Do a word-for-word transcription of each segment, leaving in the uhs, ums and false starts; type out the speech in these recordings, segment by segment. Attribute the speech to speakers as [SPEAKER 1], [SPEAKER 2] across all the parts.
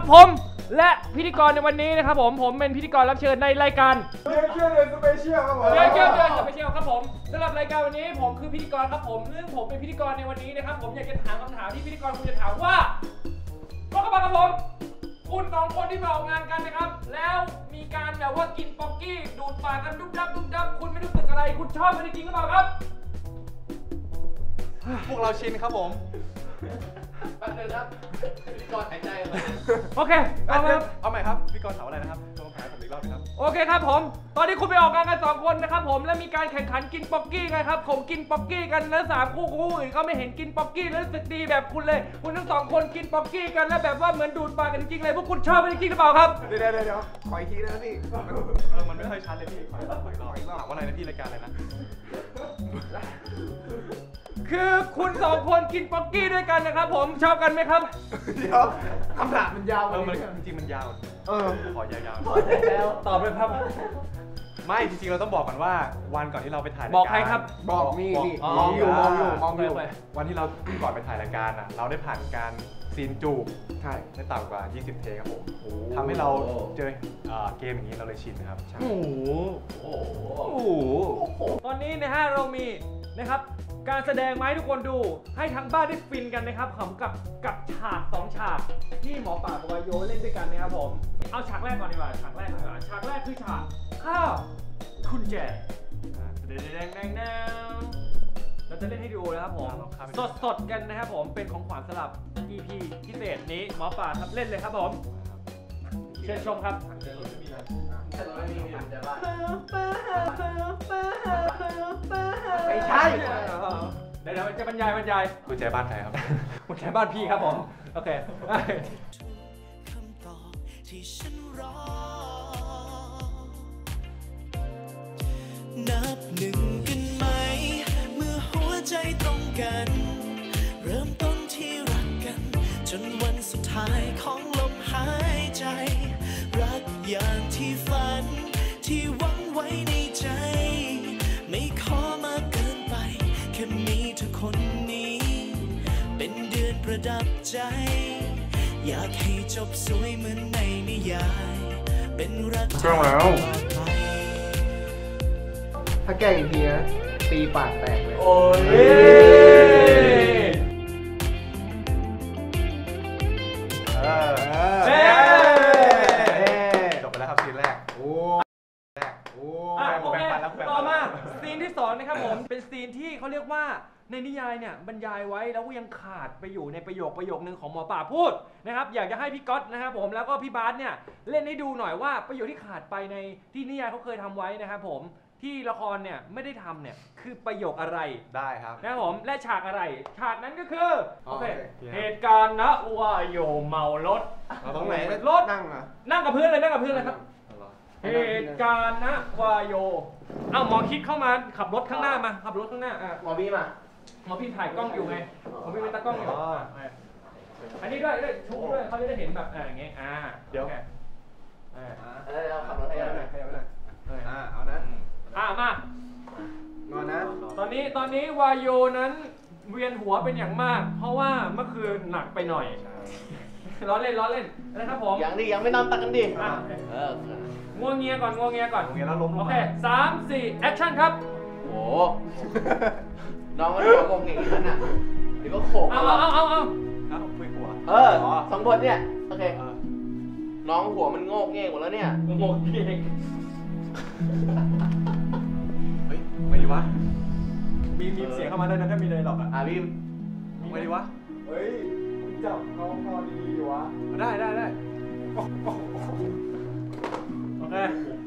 [SPEAKER 1] ผมและพิธีกรในวันนี้นะครับผมผมเป็นพิธีกรรับเชิญในรายการ
[SPEAKER 2] เรียกเชื่อเดือนสเปเชียลครับผม
[SPEAKER 1] เรียกเชื่อเดือนสเปเชียลครับผมสำหรับรายการวันนี้ผมคือพิธีกรครับผมซึ่งผมเป็นพิธีกรในวันนี้นะครับผมอยากจะถามคำถามที่พิธีกรคุณจะถามว่าก็กระบะครับผมคุณสองคนที่มาออกงานกันนะครับแล้วมีการแบบว่ากินป๊อกกี้ดูดปากกันดุ๊บดับดุ๊บดับคุณไม่รู้สึกอะไรคุณชอบมันจริงหรือเปล่าครับ
[SPEAKER 2] พวกเราชินครับผม
[SPEAKER 3] แป๊บนึงครับพิธีกรหายใจเลย
[SPEAKER 1] โอเคเอาไหมครับ
[SPEAKER 2] เอาใหม่ครับพิธีกรถามอะไรนะครับลองถามผมอีกรอบนะครับ
[SPEAKER 1] โอเคครับผมตอนนี้คุณไปออกงานกันสองคนนะครับผมแล้วมีการแข่งขันกินป๊อกกี้กันครับผมกินป๊อกกี้กันแล้วสามคู่คู่อื่นเขาไม่เห็นกินป๊อกกี้แล้วรู้สึกดีแบบคุณเลยคุณทั้งสองคนกินป๊อกกี้กันแล้วแบบว่าเหมือนดูดปากกันจริงๆเลยพวกคุณชอบมันจริงหรือเปล่าครับ
[SPEAKER 2] เดี๋ยวเดี๋ยวเดี๋ยวขออีกทีนะพี่เออมันไม่ค่อยชัดเลยพี่ขออีกรอบขออีกรอบอีกรอบถามว่าอะไรนะพี่รายการอะไรนะ
[SPEAKER 1] คือคุณสองคนกินป๊อกกี้ด้วยกันนะครับผมชอบกันไหมครับ
[SPEAKER 2] เดี๋ยวคำถามมันยาว
[SPEAKER 3] เออ
[SPEAKER 2] มันจริงๆมันยาวเออขอยาว
[SPEAKER 3] ๆแล้ว
[SPEAKER 1] ตอบเลยครับ
[SPEAKER 2] ไม่จริงๆเราต้องบอกก่อนว่าวันก่อนที่เราไปถ่ายรายการ
[SPEAKER 1] บอกใครครับ
[SPEAKER 2] บอกนี่นี่มองอยู่มองอยู่มองอยู่วันที่เราก่อนไปถ่ายรายการอ่ะเราได้ผ่านการซีนจูบใช่ไม่ต่ำกว่ายี่สิบเทคครับผมทำให้เราเจอเกมอย่างนี้เราเลยชินนะครับ
[SPEAKER 1] โอ้โหตอนนี้นะฮะเรามีนะครับการแสดงมาให้ทุกคนดูให้ทั้งบ้านได้ฟินกันนะครับขำกับกับฉากสองฉากที่หมอป่ากับวายโยเล่นด้วยกันนะครับผมเอาฉากแรกก่อนดีกว่าฉากแรกดีกว่าฉากแรกคือฉากข้าวคุณแจแดงแดงแดงแดงเราจะเล่นให้ดูนะครับผมสดสดกันนะครับผมเป็นของขวัญสำหรับ อี พี พิเศษนี้หมอป่าครับเล่นเลยครับผมเชิญชมครับ
[SPEAKER 3] ไม่ใช่
[SPEAKER 1] เดี๋ยวจะบรรยายบรรยาย
[SPEAKER 2] กุญแจบ้านใครครับ
[SPEAKER 1] กุญแจบ้านพี่ครับผมโอเค
[SPEAKER 4] คำตอบที่ฉันรอนับหนึ่งกันไหมเมื่อหัวใจตรงกันเริ่มต้นที่รักกันจนวันสุดท้ายของลมหายใจรักอย่างที่ฝันที่หวังไว้ในใจไม่ขอมากเกินไปแค่มีเธอคนนี้เป็นเดือนประดับใจอยากให้จบสวยเหมือนในนิยายเป็นรักเจ้าแล้ว
[SPEAKER 3] ถ้าแก้อีกทีนะตีปากแตกเลย
[SPEAKER 1] โอ้ย
[SPEAKER 2] จบไปแล้วครับซีนแรกโอ้แรกโอ้
[SPEAKER 1] โอเคต่อมาซีนที่สองนะครับผมเป็นซีนที่เขาเรียกว่าในนิยายเนี่ยบรรยายไว้แล้วก็ยังขาดไปอยู่ในประโยคประโยคนึงของหมอป่าพูดนะครับอยากจะให้พี่ก๊อตนะครับผมแล้วก็พี่บาสเนี่ยเล่นให้ดูหน่อยว่าประโยคที่ขาดไปในที่นิยายเขาเคยทำไว้นะครับผมที่ละครเนี่ยไม่ได้ทำเนี่ยคือประโยคอะไร
[SPEAKER 2] ได้ครับ
[SPEAKER 1] นะครับผมและฉากอะไรฉากนั้นก็คือโอเคเหตุการณ์นะว่าโยเมารถ
[SPEAKER 2] ตรงไหน
[SPEAKER 1] รถ
[SPEAKER 2] นั่งอ่ะ
[SPEAKER 1] นั่งกับพื้นเลยนั่งกับพื้นเลยครับเหตุการณ์นะวายโยเอ้าหมอคิดเข้ามาขับรถข้างหน้ามาขับรถข้างหน้าอ่ะ
[SPEAKER 3] หมอบีมา
[SPEAKER 1] หมอพี่ถ่ายกล้องอยู่ไงหมอพี่เป็นตากล้องอยู่อันนี้ด้วยด้วยชูด้วยเขาจะได้เห็นแบบอย่างเงี้ยอ่า
[SPEAKER 2] เดี๋ยว
[SPEAKER 3] เออเราขับรถให้หน่อยให้หน่อย
[SPEAKER 2] อ่าเอานะ
[SPEAKER 1] อ่ามาน
[SPEAKER 2] อนนะ
[SPEAKER 1] ตอนนี้ตอนนี้วายโยนั้นเวียนหัวเป็นอย่างมากเพราะว่าเมื่อคืนหนักไปหน่อยล้อเล่นล้อเล่นนะครับผม
[SPEAKER 3] ยังดิยังไม่นอนตักกันดิเออ
[SPEAKER 1] งัวเงียก่อนงัวเงียก่อน
[SPEAKER 2] งัวเงียแล้วล้ม
[SPEAKER 1] โอเคสามสี่แอคชั่นครับ
[SPEAKER 3] โอ้น้องก็ร้องงงอย่างนี้น่ะเดี๋ยวก็โขก
[SPEAKER 1] เอาเอาเอาเอาเอา
[SPEAKER 2] คุยหัว
[SPEAKER 3] เออสองคนเนี่ยโอเคน้องหัวมันโงกเงี้ยหมดแล้วเนี่ย
[SPEAKER 1] โงกเงี้ย
[SPEAKER 2] เฮ้ยไม่ดีวะ
[SPEAKER 1] มีมีเสียงเข้ามาด้วยนะถ้ามีเลยหรอกอ่ะ
[SPEAKER 3] อ่ะพี่
[SPEAKER 2] ไม่ดีวะ
[SPEAKER 3] เฮ้ยคุณจับเขาพอดีอยู่วะ
[SPEAKER 2] ได้ได้ได้
[SPEAKER 1] โอเค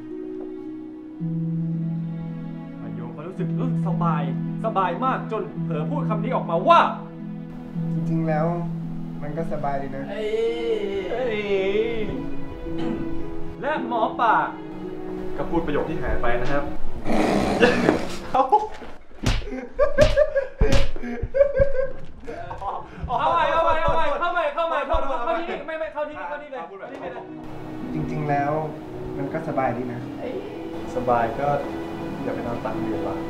[SPEAKER 1] โยเขารู้สึกสบายสบายมากจนเผลอพูดคำนี้ออกมาว่า
[SPEAKER 5] จริงๆแล้วมันก็สบายดีนะ
[SPEAKER 1] และหมอป่า
[SPEAKER 2] ก็พูดประโยคที่หายไปนะครับ
[SPEAKER 1] เอาใหม่เอาใหม่เอาใหม่เข้าใหม่เข้าใหม่เข้าเข้าที่นี่ไม่ไม่เข้าที่นี่เข้าที่เลย
[SPEAKER 5] จริงๆแล้วมันก็สบายดีนะ
[SPEAKER 2] สบายก็อย่าไปนอนตักอยู่ว่ะ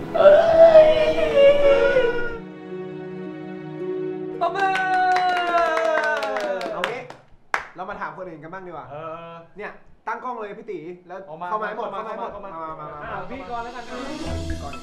[SPEAKER 1] ตบมือ
[SPEAKER 2] เอางี้เรา
[SPEAKER 6] เรามาถามคนอื่นกันบ้างดีกว่า
[SPEAKER 2] เออ
[SPEAKER 6] เนี่ยตั้งกล้องเลยพี่ตีแล้ว
[SPEAKER 2] เอามา
[SPEAKER 6] เข้ามาให้หมด
[SPEAKER 2] เข้า
[SPEAKER 6] เข้า
[SPEAKER 2] มา
[SPEAKER 6] มาให้หมด
[SPEAKER 2] เข้ามา
[SPEAKER 6] มามามา
[SPEAKER 1] อ่ะพี่ก่อนแล้วกัน
[SPEAKER 6] พี่ก่อน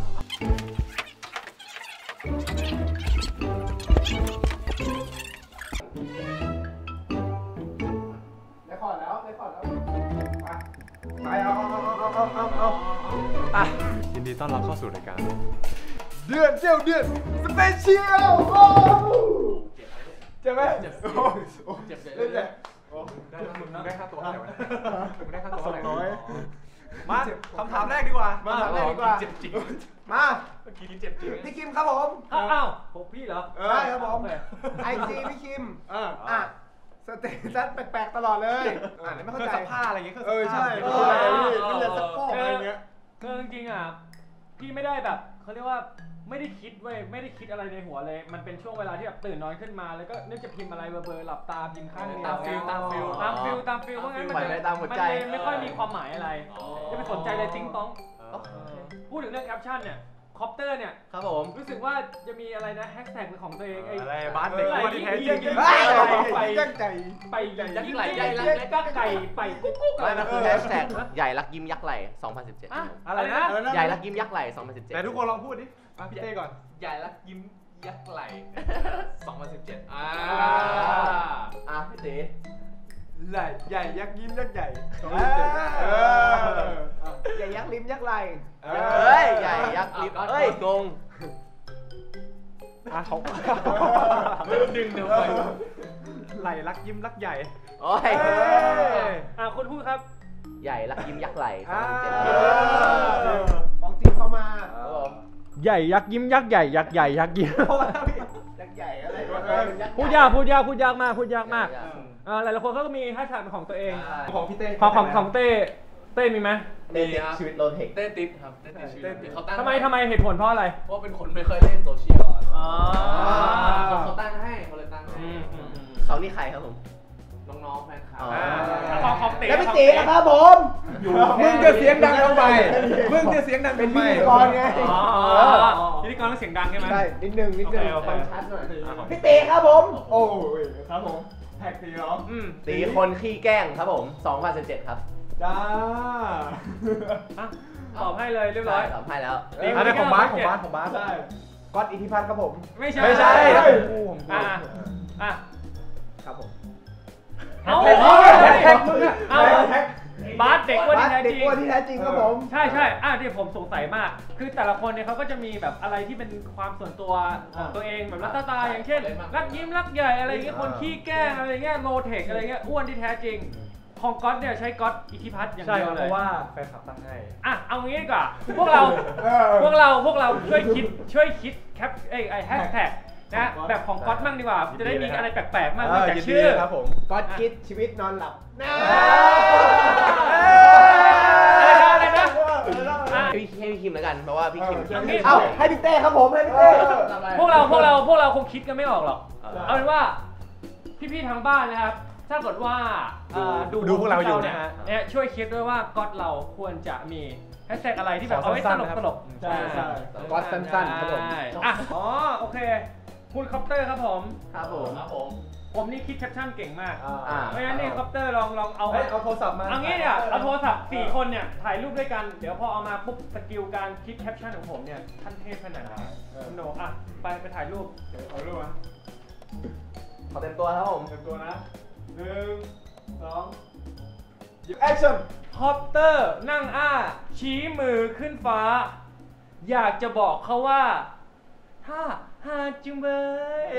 [SPEAKER 6] ได้ขอดแล้วได้ขอดแล้วไปไปเอาเอาเอาเอาเอาเอา
[SPEAKER 2] อ่ะยินดีต้อนรับเข้าสู่รายการ
[SPEAKER 6] เดือนเจียวเดือนสเปเชียลโอ้เจ็บไหมเจ็บโอ้เจ็บเล่นเลย
[SPEAKER 2] ได้มึงได้ค่าตัวเท่าไหร่วะมึงได้ค่าตัว
[SPEAKER 6] สอ
[SPEAKER 2] เท่าง ไหร่
[SPEAKER 6] ร้อย
[SPEAKER 2] มาคำถามแรกดีกว่า
[SPEAKER 6] มาเลยดีกว่า
[SPEAKER 2] เจ็บจริง
[SPEAKER 6] มา
[SPEAKER 2] เมื่อกี้เจ็บจริง
[SPEAKER 6] พี่คิมครับผม
[SPEAKER 1] อ้าวอ้าวผมพี่เหรอ
[SPEAKER 6] ใช่ครับผม
[SPEAKER 1] โอเค
[SPEAKER 6] ไอจีพี่คิม
[SPEAKER 2] เออ
[SPEAKER 6] อ่ะสเตตัสแปลกๆตลอดเลยอ่ะไม่เข้า
[SPEAKER 2] เครื่อง
[SPEAKER 6] ใจ
[SPEAKER 2] ซักผ้าอะไรอย่างเงี้ย
[SPEAKER 6] เออใช่
[SPEAKER 2] เค
[SPEAKER 6] ไม่
[SPEAKER 2] รื่อง
[SPEAKER 6] เข้า
[SPEAKER 2] ซัก
[SPEAKER 6] ใจ
[SPEAKER 2] ผ้า
[SPEAKER 6] พี่เป็นเรือซักฟอกอะไรเงี้ย
[SPEAKER 1] คือจริงๆอ่ะพี่ไม่ได้แบบเขาเรียกว่าไม่ได้คิดเว้ยไม่ได้คิดอะไรในหัวเลย มันเป็นช่วงเวลาที่แบบตื่นนอนขึ้นมาแล้วก็นึกจะพิมพ์อะไรเบอร์ๆหลับตาพิมพ์ข้างเดียว
[SPEAKER 3] ตามฟิลตามฟิล
[SPEAKER 1] ตามฟิลตามฟิลเพราะงั้นมัน
[SPEAKER 3] ปล่อยไปตามหัวใจ
[SPEAKER 1] มันเลยไม่ค่อยมีความหมายอะไรจะไปสนใจเลยติ้งต้อง
[SPEAKER 2] เออ
[SPEAKER 1] พูดถึงเรื่องแคปชั่นเนี่ยคอปเตอร์เนี่ย
[SPEAKER 3] ครับผม
[SPEAKER 1] รู้สึกว่าจะมีอะไรนะแฮชแท็กเป็นของตัวเองไอ้
[SPEAKER 2] อะไรบ้านเด็กอ้วนที่แท้จริง
[SPEAKER 1] ไป
[SPEAKER 6] ไป
[SPEAKER 1] ไป
[SPEAKER 6] ตั้งใจ
[SPEAKER 1] ไป
[SPEAKER 3] ยักษ์ไหล่ใหญ่รัก
[SPEAKER 1] เล็กก็ไก่ไปกุ๊กกุ๊กอะ
[SPEAKER 3] ไม่
[SPEAKER 1] ไร
[SPEAKER 3] มันคือแฮชแท็กใหญ่รักยิ้มยักษ์ไหล่สองพันสิบเจ็ด
[SPEAKER 1] อะ
[SPEAKER 2] อะ
[SPEAKER 1] อะไร ไร
[SPEAKER 2] นะ
[SPEAKER 1] นะ
[SPEAKER 3] ใหญ่รักยิ้มยักษ์ไหล่สองพันสิบเจ็ด
[SPEAKER 2] แต่ทุกคนลองพูดดิมาพี่เต้ก่อน
[SPEAKER 7] ใหญ่รักยิ้มยักษ์ไหล สองพันสิบเจ็ด อ่า
[SPEAKER 3] อ่ะพี่ตี
[SPEAKER 6] ใหญ่ใหญ่ยักษ์ยิ้มยักษ์ใหญ่
[SPEAKER 2] เออ
[SPEAKER 6] ใหญ่ยักษ์ลิ้มยักษ์ไหล
[SPEAKER 2] เอ
[SPEAKER 3] เฮ้ยใหญ่ยักษ์ยิ้มเฮ้ยงง
[SPEAKER 2] อ่ะเขา
[SPEAKER 7] ดึงเดี๋ยวไป
[SPEAKER 2] ไหลรักยิ้มรักใหญ่
[SPEAKER 3] โอ้ย
[SPEAKER 1] อ่ะคุณพูดครับ
[SPEAKER 3] ใหญ่รักยิ้มยักษ์ไหล่สองพันสิบเจ็ด
[SPEAKER 6] ของจริงเข้ามา
[SPEAKER 3] ครับผม
[SPEAKER 1] ใหญ่ยักษ์ยิ้มยักษ์ใหญ่ยักษ์ใหญ่ยักษ์ยิ้ม
[SPEAKER 6] เข้ามาพี่ยักษ์ใหญ่อะไรวะ
[SPEAKER 1] พูดยากพูดยากพูดยากมากพูดยากมากอ่าหลายๆคนเขาก็มีแฮชแท็กเป็นของตัวเอง
[SPEAKER 6] ของพี่เต้
[SPEAKER 1] ของของของเต้เต้มีไหม
[SPEAKER 3] เต้ติดชีวิตโลเทค
[SPEAKER 7] เต้ติดครับ เต้ติดชีวิตเขาตั้ง
[SPEAKER 1] ทำไมทำไมเหตุผลเพราะอะไร
[SPEAKER 7] เพราะว่าเป็นคนไม่เคยเล่นโซเชียลอะ
[SPEAKER 1] อ๋อ
[SPEAKER 7] เขาตั้งให้เขาเลยตั้งให้
[SPEAKER 1] อืมอืมอืม
[SPEAKER 3] เขานี่ใครครับผม
[SPEAKER 7] น้องๆแฟนคลับ
[SPEAKER 3] อ๋อ
[SPEAKER 1] ของของเต้
[SPEAKER 6] แล้วพี่
[SPEAKER 1] ของ
[SPEAKER 6] ตี
[SPEAKER 1] เต้
[SPEAKER 6] นะครับผม
[SPEAKER 2] มึงจะเสียงดังทำไมมึงจะเสียงดัง
[SPEAKER 6] เป็น
[SPEAKER 2] ทำไม
[SPEAKER 6] พิธีกรไง
[SPEAKER 1] อ๋อพิธีกรต้องเสียงดังใช่ไหม
[SPEAKER 6] ใช่นิดนึงนิดนึง
[SPEAKER 1] โอเคโอเค
[SPEAKER 6] ฟังชัดหน่อย
[SPEAKER 1] อ่ะของ
[SPEAKER 6] พี่ตีครับผม โอ้ยครับผมแท็กตีเหรอ
[SPEAKER 1] อืม
[SPEAKER 3] ตีคนขี้แกล้งครับผมสองพันสิบเจ็ดครับ
[SPEAKER 6] จ้า
[SPEAKER 1] อ่ะตอบให้เลยเรียบร้อย
[SPEAKER 3] ตอบให้แล้ว
[SPEAKER 1] ตี
[SPEAKER 2] อันนี้ของบาสของบาสของบาส
[SPEAKER 6] ใช่ก๊อตอิทธิพัฒน์ครับผม
[SPEAKER 1] ไม่ใช่
[SPEAKER 2] ไม่ใช่
[SPEAKER 1] อ่ะอ่ะ
[SPEAKER 6] ครับผม
[SPEAKER 1] เอา
[SPEAKER 6] แท็ก
[SPEAKER 1] เอา
[SPEAKER 6] แท็กมึงอะ
[SPEAKER 1] เอา
[SPEAKER 6] แท็ก
[SPEAKER 1] บาสเด็กอ้วน
[SPEAKER 6] บา
[SPEAKER 1] ที่
[SPEAKER 6] ส
[SPEAKER 1] แท้
[SPEAKER 6] เด็ก
[SPEAKER 1] จริง
[SPEAKER 6] อ้วนที่แท้จริงครับผม
[SPEAKER 1] ใช่ใช่อ่ะที่ผมสงสัยมาก คือแต่ละคนเนี่ยเขาก็จะมีแบบอะไรที่เป็นความส่วนตัวของตัวเองแบบลักษณะอย่างเช่น รักยิ้มรักใหญ่อะไรเงี้ย คนขี้แกล้งอะไรเงี้ย โลเทคอะไรเงี้ย อ้วนที่แท้จริง ของก๊อตเนี่ยใช้ก๊อตอิทธิพัฒน์อย่าง
[SPEAKER 2] ใช่
[SPEAKER 1] เดียว
[SPEAKER 2] เพ
[SPEAKER 1] เลย
[SPEAKER 2] ราะว่าแฟนคลับตั้งให้
[SPEAKER 1] อ่ะ เอางี้ดีกว่า พวกเรา
[SPEAKER 6] เออ
[SPEAKER 1] พวกเรา พวกเราช่วยคิด ช่วยคิดแคปไอ้ไอ้แฮชแท็กนะ แบบของก๊อตมั่งดีกว่า จะได้มีอะไรแปลกๆมั่งนอกจากชื่อ
[SPEAKER 2] ครับผม
[SPEAKER 6] ก๊อตคิดชีวิตนอนหลับ
[SPEAKER 1] อะไรนะอ่ะ
[SPEAKER 3] ให้พี่ให้พี่คิมแล้วกัน เพราะว่าพี่คิม
[SPEAKER 1] เอางี้
[SPEAKER 6] เอ้าให้พี่เต้ครับผมให้พี่เต้
[SPEAKER 1] พวกเราพวกเราพวกเราคงคิดกันไม่ออกหรอก เอาเป็นว่าพี่ๆทางบ้านนะครับ ถ้าเกิดว่าเอ่อ
[SPEAKER 2] ดูพวกเราอยู่
[SPEAKER 1] เนี่ย
[SPEAKER 2] นะฮะ
[SPEAKER 1] เนี่ยช่วยคิดด้วยว่าก๊อตเราควรจะมีแฮชแท็กอะไรที่แบบ
[SPEAKER 2] ขอ
[SPEAKER 1] เอาไว้ต
[SPEAKER 2] สั้น
[SPEAKER 1] ล
[SPEAKER 2] ๆ
[SPEAKER 1] ก
[SPEAKER 2] นะครับ
[SPEAKER 1] ตลก
[SPEAKER 6] ใช่ใช่ก๊อตสั้นๆครับผม
[SPEAKER 1] ใช่อ่ะอ๋อโอเคคุณคอปเตอร์ครับผม
[SPEAKER 3] ครับผม
[SPEAKER 7] ครับผม
[SPEAKER 1] ผมนี่คิดแคปชั่นเก่งมาก
[SPEAKER 3] อ่า
[SPEAKER 1] เพราะฉะนั้นนี่คอปเตอร์ลองลองเอา
[SPEAKER 2] เฮ้ยเอาโทรศัพท์มา
[SPEAKER 1] เอางี้เนี่ยเอาโทรศัพท์สี่คนเนี่ยถ่ายรูปด้วยกันเดี๋ยวพอเอามาปุ๊บสกิลการคิดแคปชั่นของผมเนี่ยขั้นเทพขนาดไหนคุณโหนอ่ะไปไปถ่ายรูป
[SPEAKER 6] เดี๋ยวขอรูปนะ
[SPEAKER 3] ขอเต็มตัวครับผม
[SPEAKER 6] เตรียมตัวนะหนึ่งสองแอคชั่น
[SPEAKER 1] คอปเตอร์นั่งอ้า ชี้มือขึ้นฟ้า อยากจะบอกเขาว่าถ้าหาจุงเบย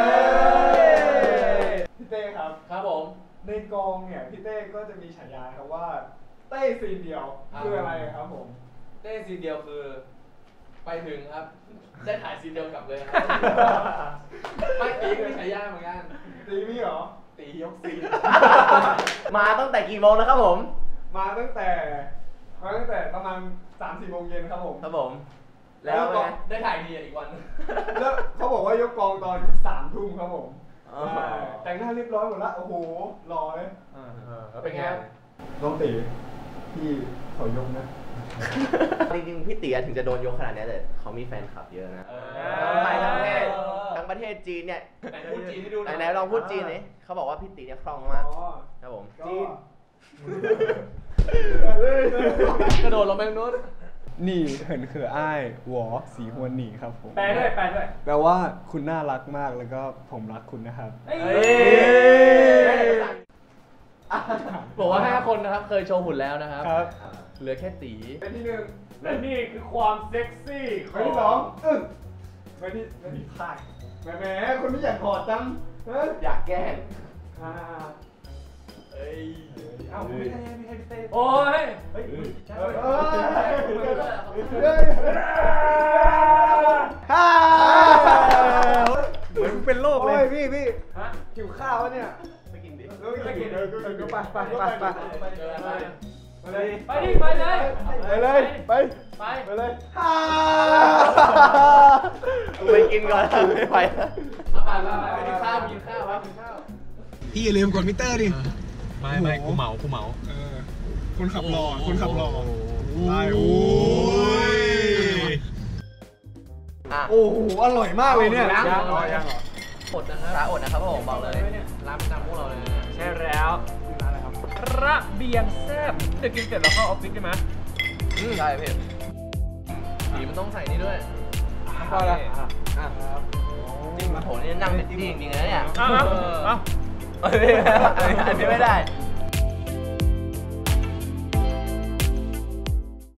[SPEAKER 6] พี่เต้ครับ
[SPEAKER 7] ครับผม
[SPEAKER 6] ในกองเนี่ยพี่เต้ก็จะมีฉายาครับว่าเต้ซีนเดียวคืออะไรครับผม
[SPEAKER 7] เต้ซีนเดียวคือ ไปถึงครับ ได้ถ่ายซีนเดียวกลับเลยครับไม่ตีก็มีฉายาเหมือนกัน
[SPEAKER 6] ตีมีเหรอ
[SPEAKER 7] ตียกซีน
[SPEAKER 3] มาตั้งแต่กี่โมงแล้วครับผม
[SPEAKER 6] มาตั้งแต่มาตั้งแต่ประมาณสามสี่โมงเย็นครับผม
[SPEAKER 3] ครับผม แล้วไง
[SPEAKER 7] ได้ถ่ายดีอีกวัน
[SPEAKER 6] แล้วเขาบอกว่ายกกองตอนสามทุ่มครับผม
[SPEAKER 3] อ๋อ
[SPEAKER 6] ใช่แต่งหน้าเรียบร้อยหมดละโอ้โหรอเลย
[SPEAKER 3] เป็นไง
[SPEAKER 6] น้องตีพี่ขอยกนะ
[SPEAKER 3] จริงๆพี่เตี๋ยถึงจะโดนยกขนาดนี้แต่เขามีแฟนคลับเยอะนะ
[SPEAKER 7] เออ
[SPEAKER 3] ทั้งไทยทั้งประเทศทั้งประเทศจีนเนี่ย
[SPEAKER 7] ไหนพูดจีนให้ดูหน่อย
[SPEAKER 3] ไหนๆลองพูดจีนนี่เขาบอกว่าพี่ตีเนี่ยคล่องมากครับผม
[SPEAKER 6] จีน
[SPEAKER 7] กระโดดลงไปตรงนู้น
[SPEAKER 8] นี่เหินเขืออ้ายหวอสีฮวนหนีครับผม
[SPEAKER 1] แปลด้วยแปลด้วย
[SPEAKER 8] แปลว่าคุณน่ารักมากแล้วก็ผมรักคุณนะครับ
[SPEAKER 1] เอ้ย
[SPEAKER 7] บอกว่าห้าคนนะครับเคยโชว์หุ่นแล้วนะครับ
[SPEAKER 8] ครับ
[SPEAKER 7] เหลือแค่ตี
[SPEAKER 6] เป็นที่หนึ่ง
[SPEAKER 1] และนี่คือความเซ็กซี่ข
[SPEAKER 6] ไป
[SPEAKER 1] อง
[SPEAKER 6] ที่สองอึ้งไปที่ไปที่พ่ายแหมแหมคนไม่อยากถอดจังเฮ้ย
[SPEAKER 3] อยากแกล้ง
[SPEAKER 6] อ่า
[SPEAKER 7] เอ้ย
[SPEAKER 6] เอ้าไม่ใช่ไม่ใช่พี่เต้
[SPEAKER 1] โอ้ย
[SPEAKER 6] เฮ้ย
[SPEAKER 8] เฮ้ย
[SPEAKER 6] เฮ้ยเฮ้ย
[SPEAKER 8] ฮ่าเหมือนเป็นโรคเลย
[SPEAKER 6] โอ้ยพี่พี่
[SPEAKER 1] ฮะ
[SPEAKER 6] หิวข้าววะเนี่ย
[SPEAKER 3] ไม่กินดิ
[SPEAKER 6] เออไม่กินเออไปไปไปไปไป
[SPEAKER 7] เจออะไร
[SPEAKER 6] ไปเลย
[SPEAKER 1] ไปดิไปเลย
[SPEAKER 6] ไปเลยไป
[SPEAKER 1] ไป
[SPEAKER 6] ไปเลย
[SPEAKER 3] กูไปกินก่อนไม่ไหว
[SPEAKER 7] เอาไปไปไปไปกินข้าวกินข้าวครับกินข้าว
[SPEAKER 8] พี่อย่าลืมกดมิเตอร์ดิ ไม่ไม่กูเหมากูเหมาเออคุณขับรอคุณขับรอได้โอ้ย
[SPEAKER 3] อ่ะ
[SPEAKER 8] โอ้โหอร่อยมากเลยเนี่ย
[SPEAKER 3] ยัง
[SPEAKER 8] ยังเหรอยังเหรอ
[SPEAKER 7] อดนะครับ
[SPEAKER 3] ร้านอดนะครับผมบอกเลย
[SPEAKER 7] ร้านประจำพวกเราเลยนะ
[SPEAKER 1] ใช่แล้วระเบียงแซ่บเดี๋ยวกินเสร็จแล้วเข้าออฟฟิศใช่ไหม
[SPEAKER 3] ใช่พี่
[SPEAKER 7] สีมันต้องใส่นี่ด้วย
[SPEAKER 6] พอแล้ว
[SPEAKER 3] จริงโหนี่นั่งเป็นที่จริงๆนะเนี่ย
[SPEAKER 1] เอาเอาเอา
[SPEAKER 3] เอ้ยอันนี้ไม่ได้